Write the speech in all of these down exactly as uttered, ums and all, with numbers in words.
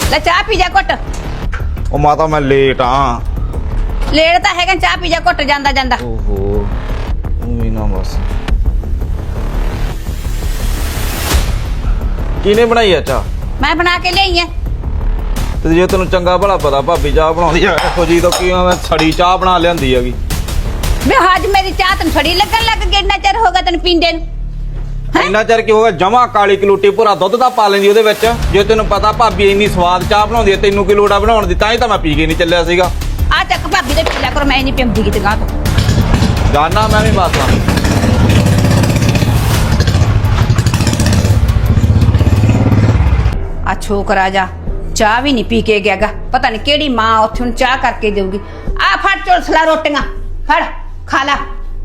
ਲੈ ਚਾਹ ਪੀ ਜਾ ਘੁੱਟ। ਉਹ ਮਾਤਾ ਮੈਂ ਲੇਟ ਆ। ਲੇਟ ਤਾਂ ਹੈਗਾ, ਚਾਹ ਪੀ ਜਾ ਘੁੱਟ ਜਾਂਦਾ ਜਾਂਦਾ। ਓਹੋ ਉਵੇਂ ਨਾ ਬਸ। ਕਿਹਨੇ ਬਣਾਈ ਆ ਚਾਹ? ਮੈਂ ਬਣਾ ਕੇ ਲਿਆਈ ਐ। ਤੇ ਜੇ ਤੈਨੂੰ ਚੰਗਾ ਭਲਾ ਪਤਾ ਭਾਬੀ ਚਾਹ ਬਣਾਉਂਦੀ ਆ ਇਹੋ ਜੀ ਤਾਂ ਕੀ ਮੈਂ ਛੜੀ ਚਾਹ ਬਣਾ ਲਿਆਂਦੀ ਹੈਗੀ। ਵੇ ਅੱਜ ਮੇਰੀ ਚਾਹ ਤੈਨੂੰ ਛੜੀ ਲੱਗਣ ਲੱਗ ਗਈ, ਇੰਨਾ ਚਿਰ ਹੋ ਗਿਆ ਤੈਨੂੰ ਪੀਂਦੇ ਨੂੰ। ਇੰਨਾ ਚਿਰ ਕੀ ਹੋਗਾ, ਜਮਾ ਕਾਲੀ ਕਲੂਟੀ ਭੁਰਾ ਦੁੱਧ ਦਾ ਪਾ ਲੈਂਦੀ ਉਹਦੇ ਵਿੱਚ। ਜੇ ਤੈਨੂੰ ਪਤਾ ਭਾਬੀ ਇੰਨੀ ਸਵਾਦ ਚਾਹ ਬਣਾਉਂਦੀ ਹੈ, ਤੈਨੂੰ ਕੀ ਲੋੜ ਆ ਬਣਾਉਣ ਦੀ? ਤਾਂ ਹੀ ਤਾਂ ਮੈਂ ਪੀ ਕੇ ਨਹੀਂ ਚੱਲਿਆ ਸੀਗਾ। ਆ ਚੱਕ ਭਾਬੀ ਦੇ ਪੀ ਲਿਆ ਕਰੋ, ਮੈਂ ਨਹੀਂ ਪੀਂਦੀ ਕਿਤੇ ਗਾਂ ਤੋਂ। ਜਾਨਾ ਮੈਂ ਵੀ ਮਾਸਾ। ਆ ਛੋਕਰਾ ਜਾ ਚਾਹ ਵੀ ਨਹੀਂ ਪੀ ਕੇ ਗਿਆਗਾ, ਪਤਾ ਨਹੀਂ ਕਿਹੜੀ ਮਾਂ ਉੱਥੇ ਨੂੰ ਚਾਹ ਕਰਕੇ ਦੇਊਗੀ। ਆ ਫੜ ਝੋਲਸਲਾ ਰੋਟੀਆਂ ਫੜ ਖਾ ਲਾ।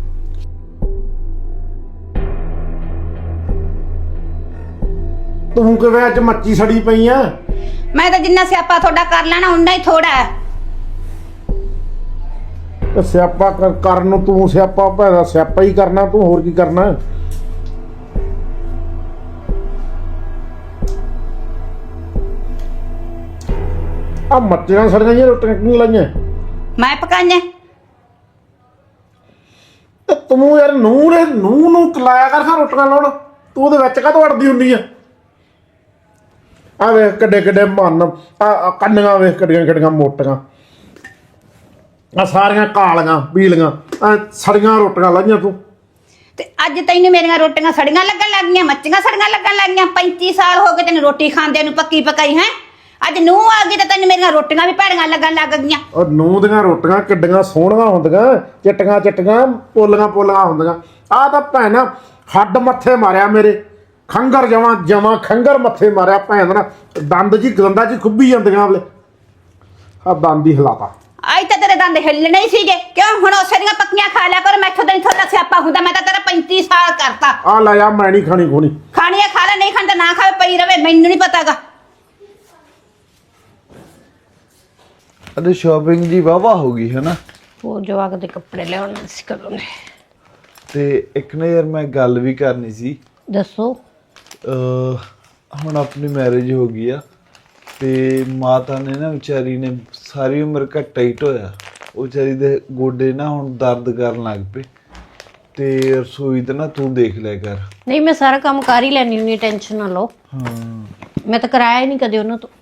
ਤੂੰ ਕਿਵੇਂ ਅੱਜ ਮੱਚੀ ਸੜੀ ਪਈ ਆ? ਮੈਂ ਤਾਂ ਜਿੰਨਾ ਸਿਆਪਾ ਤੁਹਾਡਾ ਕਰ ਲੈਣਾ ਉਨਾ ਹੀ ਥੋੜਾ ਹੈ। ਤੇ ਸਿਆਪਾ ਕਰ- ਕਰਨ ਨੂੰ ਤੂੰ ਸਿਆਪਾ ਭੈਦਾ ਸਿਆਪਾ ਹੀ ਕਰਨਾ, ਤੂੰ ਹੋਰ ਕੀ ਕਰਨਾ? ਆ ਮੱਚੀਆਂ ਸੜੀਆਂ ਜਿਹੀਆਂ ਰੋਟੀਆਂ ਕਿਉਂ ਲਾਈਆਂ? ਮੈਂ ਪਕਾਈਆਂ। ਤੇ ਤੂੰ ਯਾਰ ਨੂੰਹ ਨੇ ਨੂੰਹ ਨੂੰ ਕਲਾਇਆ ਕਰ ਖਾ ਰੋਟੀਆਂ ਲਾਉਣ, ਤੂੰ ਉਹਦੇ ਵਿੱਚ ਕਾਹਤੋਂ ਅੜਦੀ ਹੁੰਦੀ ਆ? ਆ ਵੇਖ ਕਿੱਡੇ ਕਿੱਡੇ ਮਨ, ਆ ਕੰਨੀਆਂ ਵੇਖ ਕਿੱਡੀਆਂ ਕਿੱਡੀਆਂ ਮੋਟੀਆਂ, ਆ ਸਾਰੀਆਂ ਕਾਲੀਆਂ ਪੀਲੀਆਂ, ਆ ਸੜੀਆਂ ਰੋਟੀਆਂ ਲਾਈਆਂ ਤੂੰ। ਤੇ ਅੱਜ ਤੈਨੂੰ ਮੇਰੀਆਂ ਰੋਟੀਆਂ ਸੜੀਆਂ ਲੱਗਣ ਲੱਗ ਗਈਆਂ, ਮੱਚੀਆਂ ਸੜੀਆਂ ਲੱਗਣ ਲੱਗ ਗਈਆਂ। ਪੈਂਤੀ ਸਾਲ ਹੋ ਗਏ ਤੈਨੂੰ ਰੋਟੀ ਖਾਂਦਿਆਂ ਨੂੰ, ਪੱਕੀ ਪਕਾਈ ਹੈ। ਅੱਜ ਨੂੰਹ ਆ ਗਈ ਤੇ ਤੈਨੂੰ ਮੇਰੀਆਂ ਰੋਟੀਆਂ ਵੀ ਭੈੜੀਆਂ ਲੱਗਣ ਲੱਗ ਗਈਆਂ। ਔਰ ਨੂੰਹ ਦੀਆਂ ਰੋਟੀਆਂ ਕਿੱਡੀਆਂ ਸੋਹਣੀਆਂ ਹੁੰਦੀਆਂ, ਚਿੱਟੀਆਂ ਚਿੱਟੀਆਂ ਪੋਲੀਆਂ ਪੋਲੀਆਂ ਹੁੰਦੀਆਂ। ਆਹ ਤਾਂ ਭੈਣਾ ਹੱਡ ਮੱਥੇ ਮਾਰਿਆ ਮੇਰੇ, ਖੰਗਰ ਜਮਾਂ ਜਮਾਂ ਖੰਗਰ ਮੱਥੇ ਮਾਰਿਆ ਭੈਣ ਨਾ, ਦੰਦ ਜੀ ਗੰਦਾ ਜੀ ਖੁੱਭੀ ਜਾਂਦੀਆਂ ਵੇਲੇ। ਆ ਦੰਦ ਹੀ ਹਿਲਾਤਾ। ਅੱਜ ਤਾਂ ਤੇਰੇ ਦੰਦ ਹਿੱਲਣੇ ਹੀ ਸੀਗੇ, ਕਿਉਂ? ਹੁਣ ਉਸੇ ਦੀਆਂ ਪੱਕੀਆਂ ਖਾ ਲਿਆ ਕਰ, ਮੈਥੋਂ ਤਾਂ ਥੋੜਾ ਸਿਆਪਾ ਹੁੰਦਾ। ਮੈਂ ਤਾਂ ਤੇਰਾ ਪੈਂਤੀ ਸਾਲ ਕਰਤਾ। ਆ ਲੈ ਆ, ਮੈਂ ਨਹੀਂ ਖਾਣੀ ਖੋਣੀ। ਖਾਣੀ ਆ ਖਾ ਲੈ, ਨਹੀਂ ਖਾਣੀ ਤਾਂ ਨਾ ਖਾਵੇ, ਪਈ ਰਵੇ, ਮੈਨੂੰ ਨਹੀਂ ਪਤਾਗਾ। ਅਰੇ ਸ਼ਾਪਿੰਗ ਜੀ ਵਾਵਾ ਹੋ ਗਈ ਹੈ ਨਾ। ਉਹ ਜਵਾਕ ਦੇ ਕੱਪੜੇ ਲਿਆਉਣੇ ਸੀ ਕਦੋਂ ਨੇ। ਤੇ ਇੱਕ ਨਾ ਯਾਰ ਮੈਂ ਗੱਲ ਵੀ ਕਰਨੀ ਸੀ। ਦੱਸੋ। ਅਹ ਹੁਣ ਆਪਣੀ ਮੈਰਿਜ ਹੋ ਗਈ ਆ ਤੇ ਮਾਤਾ ਨੇ ਨਾ ਵਿਚਾਰੀ ਨੇ ਸਾਰੀ ਉਮਰ ਘੱਟਾ ਹੀ ਢੋਇਆ। ਉਹ ਵਿਚਾਰੀ ਦੇ ਗੋਡੇ ਨਾ ਹੁਣ ਦਰਦ ਕਰਨ ਲੱਗ ਪਏ ਤੇ ਰਸੋਈ ਤੇ ਨਾ ਤੂੰ ਦੇਖ ਲਿਆ ਕਰ। ਨਹੀਂ ਮੈਂ ਸਾਰਾ ਕੰਮ ਕਰ ਹੀ ਲੈਣੀ ਹੁੰਦੀ, ਟੈਨਸ਼ਨ ਨਾ ਲਓ। ਹਾਂ ਮੈਂ ਤਾਂ ਕਰਾਇਆ ਹੀ ਨਹੀਂ ਕਦੇ ਉਹਨਾਂ ਤੋਂ।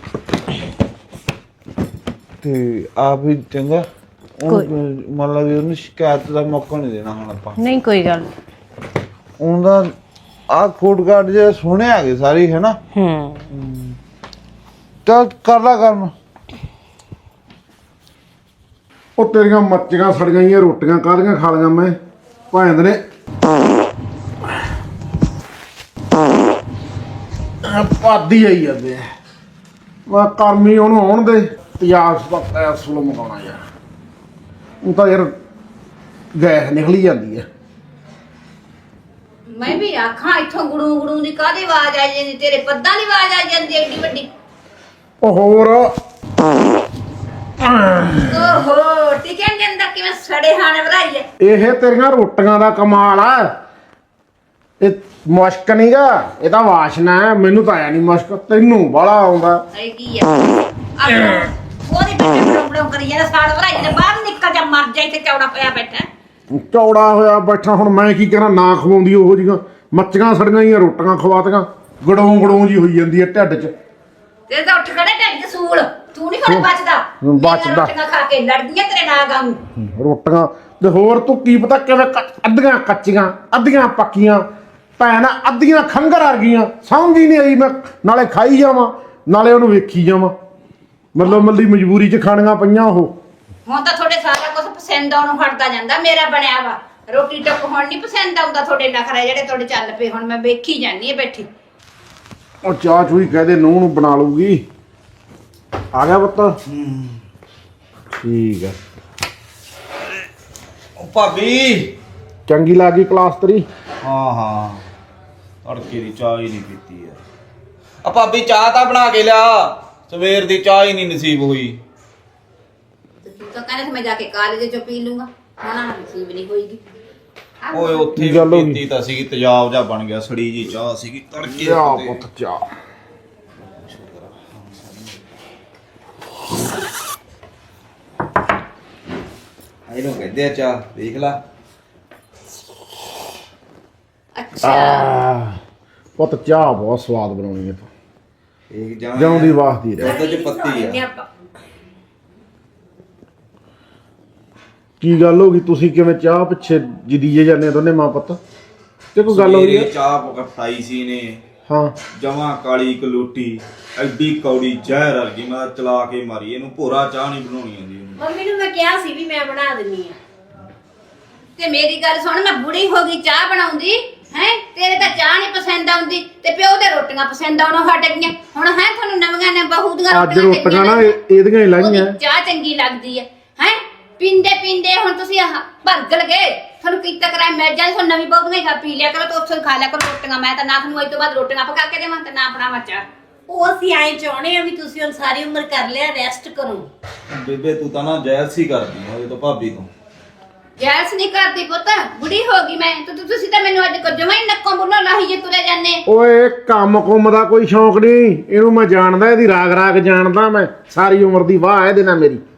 ਤੇ ਆਪ ਵੀ ਚੰਗਾ ਮੰਨ ਲਾ ਵੀ ਉਹਨੂੰ ਸ਼ਿਕਾਇਤ ਦਾ ਮੌਕਾ ਨਹੀਂ ਦੇਣਾ ਹੁਣ ਆਪਾਂ। ਨਹੀਂ ਕੋਈ ਗੱਲ ਉਹਦਾ ਆ ਕੋਟ ਕਾਰਡ ਜੇ ਸੋਹਣੇ ਆ ਗਏ ਸਾਰੇ ਹੈ ਨਾ। ਹੂੰ ਚੱਲ ਕਰ ਲਾ ਕੰਮ। ਉਹ ਤੇਰੀਆਂ ਮੱਚੀਆਂ ਸੜੀਆਂ ਜਿਹੀਆਂ ਰੋਟੀਆਂ ਕਾਹਦੀਆਂ ਖਾ ਲਈਆਂ ਮੈਂ ਭੈਣ ਨੇ। ਪਾਦੀ ਆਈ ਜਾਂਦੇ ਮੈਂ ਕਰਮੀ ਉਹਨੂੰ ਆਉਣ ਦੇ ਤਿਆਸ ਪੱਤਾ ਸੁਲ ਮਗਾਉਣਾ ਯਾਰ। ਉਹ ਤਾਂ ਯਾਰ ਗੈਸ ਨਿਕਲੀ ਜਾਂਦੀ ਹੈ। ਮੈਂ ਵੀ ਆਖਾਂ ਇੱਥੋਂ ਗੁੜੂ ਗੁੜੂ ਦੀ ਕਾਹਦੀ ਆਵਾਜ਼ ਆ ਜਾਂਦੀ, ਤੇਰੇ ਪੱਦਾਂ ਦੀ ਆਵਾਜ਼ ਆ ਜਾਂਦੀ ਏਡੀ ਵੱਡੀ। ਉਹ ਹੋਰ ਓਹੋ ਟਿਕਣ ਦੇ ਅੰਦਰ ਕਿਵੇਂ ਸੜੇ ਹਾਣੇ ਵਧਾਈ ਐ। ਇਹ ਤੇਰੀਆਂ ਰੋਟੀਆਂ ਦਾ ਕਮਾਲ ਆ। ਇਹ ਮੁਸ਼ਕ ਨਹੀਂਗਾ, ਇਹ ਤਾਂ ਵਾਸ਼ਨਾ ਹੈ। ਮੈਨੂੰ ਤਾਂ ਆਇਆ ਨਹੀਂ ਮੁਸ਼ਕ, ਤੈਨੂੰ ਬਾਹਲਾ ਆਉਂਦਾ। ਇਹ ਕੀ ਆ ਉਹਦੇ ਬੱਚੇ ਬੜੋਂ ਬੜੋਂ ਕਰੀ ਜਾਂਦਾ, ਸਾਲ ਵਧਾਈ ਨੇ ਬਾਹਰ ਨਿਕਲ ਜਾ, ਮਰ ਜਾ, ਇੱਥੇ ਚੌੜਾ ਪਿਆ ਬੈਠਾ। ਚੌੜਾ ਹੋਇਆ ਬੈਠਾ, ਹੁਣ ਮੈਂ ਕੀ ਕਰਾਂ? ਨਾ ਖਵਾਉਂਦੀ ਉਹੋ ਜਿਹੀਆਂ ਮੱਚੀਆਂ ਸੜੀਆਂ ਜਿਹੀਆਂ ਰੋਟੀਆਂ ਖਵਾਤੀਆਂ, ਗੜੋਂ ਗੜੋਂ ਜੀ ਹੋਈ ਜਾਂਦੀ ਹੈ ਢਿੱਡ 'ਚ। ਤੇ ਤਾਂ ਉੱਠ ਖੜੇ ਢਿੱਡ 'ਚ ਸੂਲ, ਤੂੰ ਨਹੀਂ ਖੜੇ ਬਚਦਾ। ਬਚਦਾ। ਰੋਟੀਆਂ ਖਾ ਕੇ ਲੜਦੀਆਂ ਤੇਰੇ ਨਾਲ ਗਾਂ। ਰੋਟੀਆਂ ਤੇ ਹੋਰ ਤੂੰ ਕੀ ਪਤਾ ਕਿਵੇਂ ਕੱਚ- ਅੱਧੀਆਂ ਕੱਚੀਆਂ ਅੱਧੀਆਂ ਪੱਕੀਆਂ ਭੈਣ, ਅੱਧੀਆਂ ਖੰਗਰ ਆ ਗਈਆਂ। ਸਮਝ ਹੀ ਨਹੀਂ ਆਈ, ਮੈਂ ਨਾਲੇ ਖਾਈ ਜਾਵਾਂ ਨਾਲੇ ਉਹਨੂੰ ਵੇਖੀ ਜਾਵਾਂ। ਮਤਲਬ ਮੱਲੀ ਮਜਬੂਰੀ 'ਚ ਖਾਣੀਆਂ ਪਈਆਂ ਉਹ। ਹੁਣ ਤਾਂ ਤੁਹਾਡੇ ਸਾਰਾ ਕੁਝ ਪਸੰਦ ਆਉਣੋਂ ਹਟਦਾ ਜਾਂਦਾ। ਮੇਰਾ ਬਣਿਆ ਵਾ ਰੋਟੀ ਟੱਕ ਹੁਣ ਨਹੀਂ ਪਸੰਦ ਆਉਂਦਾ। ਤੁਹਾਡੇ ਨਖਰੇ ਜਿਹੜੇ ਤੁਹਾਡੇ ਚੱਲ ਪਏ, ਹੁਣ ਮੈਂ ਵੇਖੀ ਜਾਂਦੀ ਆ ਬੈਠੀ। ਉਹ ਚਾਹ ਚੂਈ ਕਹਦੇ ਨੂੰਹ ਨੂੰ ਬਣਾ ਲੂਗੀ। ਆ ਗਿਆ ਪੁੱਤ? ਠੀਕ ਹੈ। ਉਹ ਭਾਬੀ ਚੰਗੀ ਲੱਗੀ ਕਲਾਸ ਤੇਰੀ? ਹਾਂ ਹਾਂ ਤੜਕੇ ਦੀ ਚਾਹ ਹੀ ਨਹੀਂ ਪੀਤੀ ਯਾਰ। ਆ ਭਾਬੀ ਚਾਹ ਤਾਂ ਬਣਾ ਕੇ ਲਿਆ, ਸਵੇਰ ਦੀ ਚਾਹ ਹੀ ਨਹੀਂ ਨਸੀਬ ਹੋਈ। ਤੂੰ ਤਾਂ ਕਹਿੰਦਾ ਮੈਂ ਜਾ ਕੇ ਕਾਲਜ ਚੋਂ ਪੀ ਲੂੰਗਾ, ਹੁਣ ਨਸੀਬ ਨਹੀਂ ਹੋਈਗੀ। ਓਏ ਉੱਥੇ ਗੱਲ ਹੋ ਵੀ ਗਈ। ਪੀਤੀ ਤਾਂ ਸੀਗੀ, ਤੇਜ਼ਾਬ ਜਾ ਬਣ ਗਿਆ, ਸੜੀ ਜੀ ਚਾਹ ਸੀਗੀ ਤੜਕੇ ਚਾਹ ਦੀ। ਪੁੱਤ ਚਾਹ। ਇਹਨੂੰ ਕਹਿੰਦੇ ਆ ਚਾਹ, ਦੇਖ ਲਾ। ਅੱਛਾ ਆਹ, ਪੁੱਤ ਚਾਹ ਬਹੁਤ ਸਵਾਦ ਬਣਾਉਣੀ ਹੈ ਤੂੰ, ਇਹ ਜਮਾਂ ਜਿਉਂ ਦੀ ਵਾਸਦੀ ਰਹਿ। ਦੁੱਧ ਚ ਪੱਤੀ ਆ। ਕੀ ਗੱਲ ਹੋ ਗਈ, ਤੁਸੀਂ ਕਿਵੇਂ ਚਾਹ ਪਿੱਛੇ ਜਿਦੀਏ ਜਾਂਦੇ ਦੋਨੇ ਮਾਂ ਪੁੱਤ, ਤੇ ਕੋਈ ਗੱਲ ਹੋਈ ਸਵੇਰੇ ਹੈ? ਚਾਹ ਪਕਾਈ ਸੀ ਨੇ, ਹਾਂ ਜਮਾਂ ਕਾਲੀ ਕਲੂਟੀ, ਐਡੀ ਕੌੜੀ ਜ਼ਹਿਰ ਵਰਗੀ। ਮੈਂ ਚਲਾ ਕੇ ਮਾਰੀ ਇਹਨੂੰ, ਭੋਰਾ ਚਾਹ ਨਹੀਂ ਬਣਾਉਣੀ ਆਉਂਦੀ ਉਹਨੂੰ। ਮੰਮੀ ਨੂੰ ਮੈਂ ਕਿਹਾ ਸੀ ਵੀ ਮੈਂ ਬਣਾ ਦਿੰਨੀ ਆ। ਤੇ ਮੇਰੀ ਗੱਲ ਸੁਣ, ਮੈਂ ਬੁੜੀ ਹੋ ਗਈ ਚਾਹ ਬਣਾਉਂਦੀ ਹੈ, ਤੇਰੇ ਤਾਂ ਚਾਹ ਨਹੀਂ ਪਸੰਦ ਆਉਂਦੀ ਤੇ ਪਿਓ ਦੇ ਰੋਟੀਆਂ ਪਸੰਦ ਆਉਣੋਂ ਹਟ ਗਈਆਂ। ਹੁਣ ਹੈ ਤੁਹਾਨੂੰ ਨਵੀਆਂ ਨੇ ਬਹੂ ਦੀਆਂ ਅੱਜ ਰੋਟੀਆਂ ਨਾ ਇਹ- ਇਹਦੀਆਂ ਹੀ ਲਾਈਆਂ। ਉਹਦੀ ਚਾਹ ਚੰਗੀ ਲੱਗਦੀ ਹੈ ਹੈ ਪੀਂਦੇ ਪੀਂਦੇ ਹੁਣ ਤੁਸੀਂ ਆਹ ਭਰਗਲ ਗਏ, ਤੁਹਾਨੂੰ ਕੀਤਾ ਕਰਾਇਆ ਮਿਲ ਜਾਏ। ਤੁਹਾਨੂੰ ਨਵੀਂ ਬਹੂ ਦੀਆਂ ਹੀ ਖਾ ਪੀ ਲਿਆ ਕਰੋ ਤੇ ਉੱਥੋਂ ਖਾ ਲਿਆ ਕਰੋ ਰੋਟੀਆਂ। ਮੈਂ ਤਾਂ ਨਾ ਤੁਹਾਨੂੰ ਅੱਜ ਤੋਂ ਬਾਅਦ ਰੋਟੀਆਂ ਪਕਾ ਕੇ ਦੇਵਾਂ ਤੇ ਨਾ ਬਣਾਵਾਂ ਚਾਹ। ਉਹ ਅਸੀਂ ਐਂ ਚਾਹੁੰਦੇ ਆ ਵੀ ਤੁਸੀਂ ਹੁਣ ਸਾਰੀ ਉਮਰ ਕਰ ਲਿਆ, ਰੈਸਟ ਕਰੋ। ਬੇਬੇ ਤੂੰ ਤਾਂ ਨਾ ਜੈਲਸੀ ਕਰਦੀ ਆ ਉਹਦੇ ਤੋਂ, ਭਾਬੀ ਤੋਂ। ਜੈਲਸ ਨਹੀਂ ਕਰਦੀ ਪੁੱਤ, ਬੁੜੀ ਹੋ ਗਈ ਮੈਂ। ਤੂੰ ਤੂੰ- ਤੁਸੀਂ ਤਾਂ ਮੈਨੂੰ ਅੱਜ ਕੋ ਜਮਾਂ ਹੀ ਨੱਕੋਂ ਬੁੱਲੋਂ ਲਾਹੀ ਜੇ ਤੁਰੇ ਜਾਂਦੇ। ਓਏ ਕੰਮ ਕੁੰਮ ਦਾ ਕੋਈ ਸ਼ੌਂਕ ਨਹੀਂ, ਇਹਨੂੰ ਮੈਂ ਜਾਣਦਾ, ਇਹਦੀ ਰਾਗ ਰਾਗ ਜਾਣਦਾ ਮੈਂ, ਸਾਰੀ ਉਮਰ ਦੀ ਵਾਹ ਇਹਦੇ ਨਾਲ ਮੇਰੀ।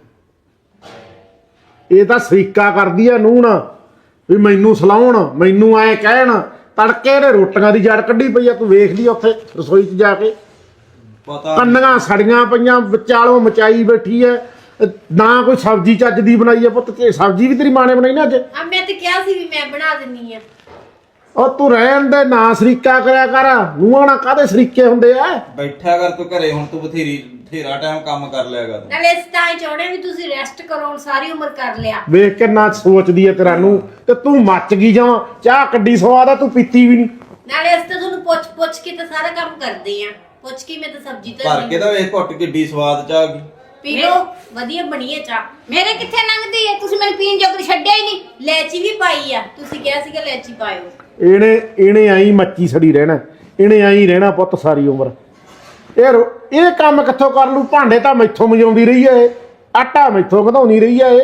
ਇਹ ਤਾਂ ਸਰੀਕਾ ਕਰਦੀ ਆ ਨੂੰਹ ਨਾ, ਵੀ ਮੈਨੂੰ ਸਲਾਉਣ, ਮੈਨੂੰ ਐ ਕਹਿਣ। ਤੜਕੇ ਇਹਨੇ ਰੋਟੀਆਂ ਦੀ ਜੜ ਕੱਢੀ ਪਈ ਆ, ਤੂੰ ਵੇਖ ਲਈ ਉੱਥੇ ਰਸੋਈ 'ਚ ਜਾ ਕੇ, ਪਤਾ ਕੰਨੀਆਂ ਸੜੀਆਂ ਪਈਆਂ, ਵਿਚਾਲੋਂ ਮਚਾਈ ਬੈਠੀ ਐ। ਨਾ ਕੋਈ ਸਬਜ਼ੀ ਚੱਜ ਦੀ ਬਣਾਈ ਆ ਪੁੱਤ, ਤੇ ਸਬਜ਼ੀ ਵੀ ਤੇਰੀ ਮਾਂ ਨੇ ਬਣਾਈ ਨਾ ਅੱਜ। ਆ ਮੈਂ ਤੇ ਕਿਹਾ ਸੀ ਵੀ ਮੈਂ ਬਣਾ ਦਿੰਨੀ ਆ। ਉਹ ਤੂੰ ਰਹਿਣ ਦੇ, ਨਾ ਸਰੀਕਾ ਕਰਿਆ ਕਰ। ਨੂੰਹਾਂ ਨਾਲ ਕਾਹਦੇ ਸਰੀਕੇ ਹੁੰਦੇ ਆ? ਬੈਠਾ ਕਰ ਤੂੰ ਘਰੇ, ਹੁਣ ਤੂੰ ਬਥੇਰੀ ਬਥੇਰਾ ਟਾਈਮ ਕੰਮ ਕਰ ਲਿਆ ਕਰ। ਨਾਲੇ ਇਸ ਤਾਂ ਐਂ ਚਾਹੁੰਦੇ ਆ ਵੀ ਤੁਸੀਂ ਰੈਸਟ ਕਰੋ, ਹੁਣ ਸਾਰੀ ਉਮਰ ਕਰ ਲਿਆ। ਵੇਖ ਕੇ ਨਾ ਸੋਚਦੀ ਐ ਤੇਰਾ ਨੂੰ, ਤੇ ਤੂੰ ਮੱਚ ਗਈ ਜਾਵਾਂ। ਚਾਹ ਕੱਢੀ ਸਵਾਦ ਆ, ਤੂੰ ਪੀਤੀ ਵੀ ਨਹੀਂ। ਨਾਲੇ ਇਸ ਤਾਂ ਤੁਹਾਨੂੰ ਪੁੱਛ ਪੁੱਛ ਕੇ ਤਾਂ ਸਾਰਾ ਕੰਮ ਕਰਦੇ ਆ। ਪੁੱਛ ਕੇ ਮੈਂ ਤਾਂ ਸਬਜ਼ੀ ਭਰ ਕੇ ਤਾਂ ਤਾਂ ਵੇਖ ਘੁੱਟ ਕਿੱਡੀ ਸਵਾਦ ਚਾਹ ਗਈ। ਪੀ ਲਓ, ਵਧੀਆ ਬਣੀ ਹੈ ਚਾਹ। ਮੇਰੇ ਕਿੱਥੇ ਲੰਘਦੀ ਹੈ, ਤੁਸੀਂ ਮੈਨੂੰ ਪੀਣ ਜੋਗਰ ਛੱਡਿਆ ਹੀ ਨਹੀਂ। ਲੈਚੀ ਵੀ ਪਾਈ ਆ, ਤੁਸੀਂ ਕਿਹਾ ਸੀਗਾ ਲੈਚੀ ਪਾਇਓ। ਇਹਨੇ ਇਹਨੇ ਆਈ ਮੱਚੀ ਸੜੀ ਰਹਿਣਾ, ਇਹਨੇ ਆਈ ਰਹਿਣਾ ਪੁੱਤ ਸਾਰੀ ਉਮਰ। ਇਹ ਰੋ- ਇਹ ਕੰਮ ਕਿੱਥੋਂ ਕਰ ਲੂ? ਭਾਂਡੇ ਤਾਂ ਮੈਥੋਂ ਮਜਾਉਂਦੀ ਰਹੀ ਐ ਇਹ, ਆਟਾ ਮੈਥੋਂ ਵਧਾਉਣੀ ਰਹੀ ਐ ਇਹ।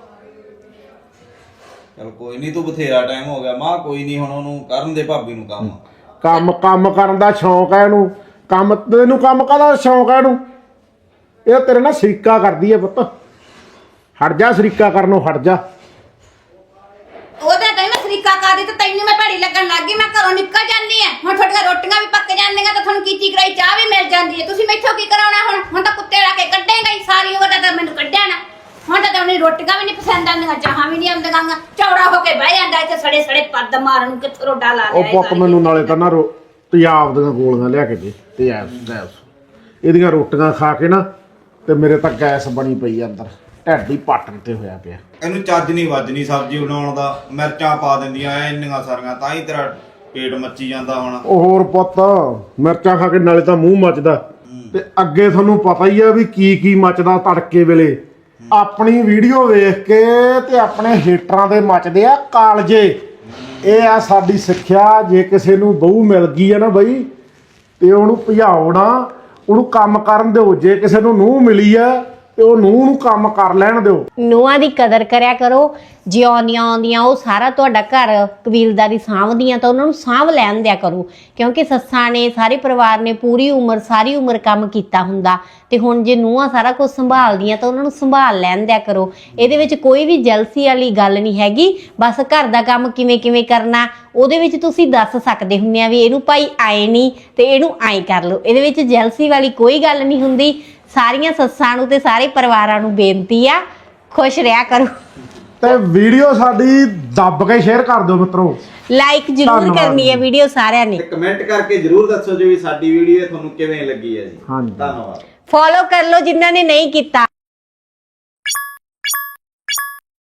ਚਲ ਕੋਈ ਨਹੀਂ, ਤੂੰ ਬਥੇਰਾ ਟਾਈਮ ਹੋ ਗਿਆ ਮਾਂ, ਕੋਈ ਨਹੀਂ, ਹੁਣ ਉਹਨੂੰ ਕਰਨ ਦੇ ਭਾਬੀ ਨੂੰ ਕੰਮ। ਕੰਮ ਕੰਮ ਕਰਨ ਦਾ ਸ਼ੌਂਕ ਹੈ ਇਹਨੂੰ, ਕੰਮ ਤੈਨੂੰ ਕੰਮ ਕਾਹਦਾ ਸ਼ੌਂਕ ਹੈ ਇਹਨੂੰ? ਇਹ ਤੇਰੇ ਨਾਲ ਸਰੀਕਾ ਕਰਦੀ ਐ ਪੁੱਤ, ਹਟ ਜਾ ਸਰੀਕਾ ਕਰਨੋਂ, ਹਟ ਜਾ। ਉਹਦੇ ਤਾਂ ਮੈਂ ਸਰੀਕਾ ਕਰਦੀ ਤੇ ਤੈਨੂੰ ਮੈਂ ਭੈੜੀ ਲੱਗਣ ਲੱਗ ਗਈ। ਮੈਂ ਘਰੋਂ ਨਿਕਲ ਜਾਂਦੀ ਆ, ਹੁਣ ਤੁਹਾਡੀਆਂ ਰੋਟੀਆਂ ਵੀ ਪੱਕ ਜਾਂਦੀਆਂ ਤੇ ਤੁਹਾਨੂੰ ਕੀਤੀ ਕਰਾਈ ਚਾਹ ਵੀ ਮਿਲ ਜਾਂਦੀ ਹੈ। ਤੁਸੀਂ ਮੈਥੋਂ ਕੀ ਕਰਾਉਣਾ ਹੁਣ? ਹੁਣ ਤਾਂ ਕੁੱਤੇ ਲਾ ਕੇ ਕੱਢੇਗਾ ਹੀ, ਸਾਰੀ ਉਮਰ ਤਾਂ ਮੈਨੂੰ ਕੱਢਿਆ ਨਾ। ਹੁਣ ਤਾਂ ਤੁਹਾਨੂੰ ਰੋਟੀਆਂ ਵੀ ਨਹੀਂ ਪਸੰਦ ਆਉਂਦੀਆਂ, ਚਾਹਾਂ ਵੀ ਨਹੀਂ ਆਉਂਦੀਆਂ। ਚੌੜਾ ਹੋ ਕੇ ਬਹਿ ਜਾਂਦਾ ਇੱਥੇ ਸੜੇ ਸੜੇ ਪੱਦ ਮਾਰਨ ਨੂੰ, ਕਿੱਥੋਂ ਰੋਡਾ ਲਾ ਉਹ ਲਿਆ ਪੁੱਤ ਮੈਨੂੰ ਨਾਲੇ ਤਾਂ ਨਾ ਰੋ ਤਿਆਬ ਦੀਆਂ ਗੋਲੀਆਂ ਲਿਆ ਕੇ ਦੇ, ਤਿਆਬ ਗੈਸ। ਇਹਦੀਆਂ ਰੋਟੀਆਂ ਖਾ ਕੇ ਨਾ ਤੇ ਮੇਰੇ ਤਾਂ ਗੈਸ ਬਣੀ ਪਈ ਆ ਅੰਦਰ, ਢਿੱਡ ਹੀ ਪਾਟਣ ਤੇ ਹੋਇਆ ਪਿਆ। ਇਹਨੂੰ ਚੱਜ ਨਹੀਂ ਵੱਜਣੀ ਸਬਜ਼ੀ ਬਣਾਉਣ ਦਾ, ਮਿਰਚਾਂ ਪਾ ਦਿੰਦੀਆਂ ਐ ਇੰਨੀਆਂ ਸਾਰੀਆਂ, ਤਾਂ ਹੀ ਤੇਰਾ ਪੇਟ ਮੱਚੀ ਜਾਂਦਾ ਹੁਣ। ਉਹ ਹੋਰ ਪੁੱਤ, ਮਿਰਚਾਂ ਖਾ ਕੇ ਨਾਲੇ ਤਾਂ ਮੂੰਹ ਮੱਚਦਾ, ਤੇ ਅੱਗੇ ਤੁਹਾਨੂੰ ਪਤਾ ਹੀ ਆ ਵੀ ਕੀ ਕੀ ਮੱਚਦਾ ਤੜਕੇ ਵੇਲੇ। ਆਪਣੀ ਵੀਡੀਓ ਵੇਖ ਕੇ ਤੇ ਆਪਣੇ ਹੇਟਰਾਂ ਦੇ ਮੱਚਦੇ ਆ ਕਾਲਜੇ। ਇਹ ਆ ਸਾਡੀ ਸਿੱਖਿਆ, ਜੇ ਕਿਸੇ ਨੂੰ ਬਹੂ ਮਿਲ ਗਈ ਆ ਨਾ ਬਈ, ਤੇ ਉਹਨੂੰ ਭਜਾਓ ਨਾ, ਉਹਨੂੰ ਕੰਮ ਕਰਨ ਦਿਓ। ਜੇ ਕਿਸੇ ਨੂੰ ਨੂੰਹ ਮਿਲੀ ਆ ਤੇ ਉਹ ਨੂੰਹ ਨੂੰ ਕੰਮ ਕਰ ਲੈਣ ਦਿਓ। ਨੂੰਹਾਂ ਦੀ ਕਦਰ ਕਰਿਆ ਕਰੋ, ਜੇ ਆਉਂਦੀਆਂ ਆਉਂਦੀਆਂ ਉਹ ਸਾਰਾ ਤੁਹਾਡਾ ਘਰ ਕਬੀਲਦਾਰੀ ਸਾਂਭਦੀਆਂ ਤਾਂ ਉਹਨਾਂ ਨੂੰ ਸਾਂਭ ਲੈਣ ਦਿਆ ਕਰੋ। ਕਿਉਂਕਿ ਸੱਸਾਂ ਨੇ, ਸਾਰੇ ਪਰਿਵਾਰ ਨੇ ਪੂਰੀ ਉਮਰ ਸਾਰੀ ਉਮਰ ਕੰਮ ਕੀਤਾ ਹੁੰਦਾ, ਤੇ ਹੁਣ ਜੇ ਨੂੰਹਾਂ ਸਾਰਾ ਕੁਝ ਸੰਭਾਲਦੀਆਂ ਤਾਂ ਉਹਨਾਂ ਨੂੰ ਸੰਭਾਲ ਲੈਣ ਦਿਆ ਕਰੋ। ਇਹਦੇ ਵਿੱਚ ਕੋਈ ਵੀ ਜਲਸੀ ਵਾਲੀ ਗੱਲ ਨਹੀਂ ਹੈਗੀ। ਬਸ ਘਰ ਦਾ ਕੰਮ ਕਿਵੇਂ ਕਿਵੇਂ ਕਰਨਾ ਉਹਦੇ ਵਿੱਚ ਤੁਸੀਂ ਦੱਸ ਸਕਦੇ ਹੁੰਦੇ ਆ ਵੀ ਇਹਨੂੰ ਭਾਈ ਆਏ ਨਹੀਂ ਤੇ ਇਹਨੂੰ ਆਏ ਕਰ ਲਓ। ਇਹਦੇ ਵਿੱਚ ਜਲਸੀ ਵਾਲੀ ਕੋਈ ਗੱਲ ਨਹੀਂ ਹੁੰਦੀ। ਸਾਰੀਆਂ ਸੱਸਾਂ ਨੂੰ ਤੇ ਸਾਰੇ ਪਰਿਵਾਰਾਂ ਨੂੰ ਬੇਨਤੀ ਆ, ਖੁਸ਼ ਰਿਹਾ ਕਰੋ। ਤੇ ਵੀਡੀਓ ਸਾਡੀ ਦੱਬ ਕੇ ਸ਼ੇਅਰ ਕਰ ਦਿਓ ਮਿੱਤਰੋ, ਲਾਈਕ ਜ਼ਰੂਰ ਧੰਨਵਾਦ ਕਰਨੀ ਹੈ ਵੀਡੀਓ ਸਾਰਿਆਂ ਨੇ। ਤੇ ਕਮੈਂਟ ਕਰਕੇ ਜਰੂਰ ਦੱਸੋ ਜੀ ਵੀ ਸਾਡੀ ਵੀਡੀਓ ਤੁਹਾਨੂੰ ਕਿਵੇਂ ਲੱਗੀ ਹੈ ਜੀ। ਹਾਂਜੀ। ਧੰਨਵਾਦ। ਫੋਲੋ ਕਰ ਲਓ ਜਿਨ੍ਹਾਂ ਨੇ ਨਹੀਂ ਕੀਤਾ।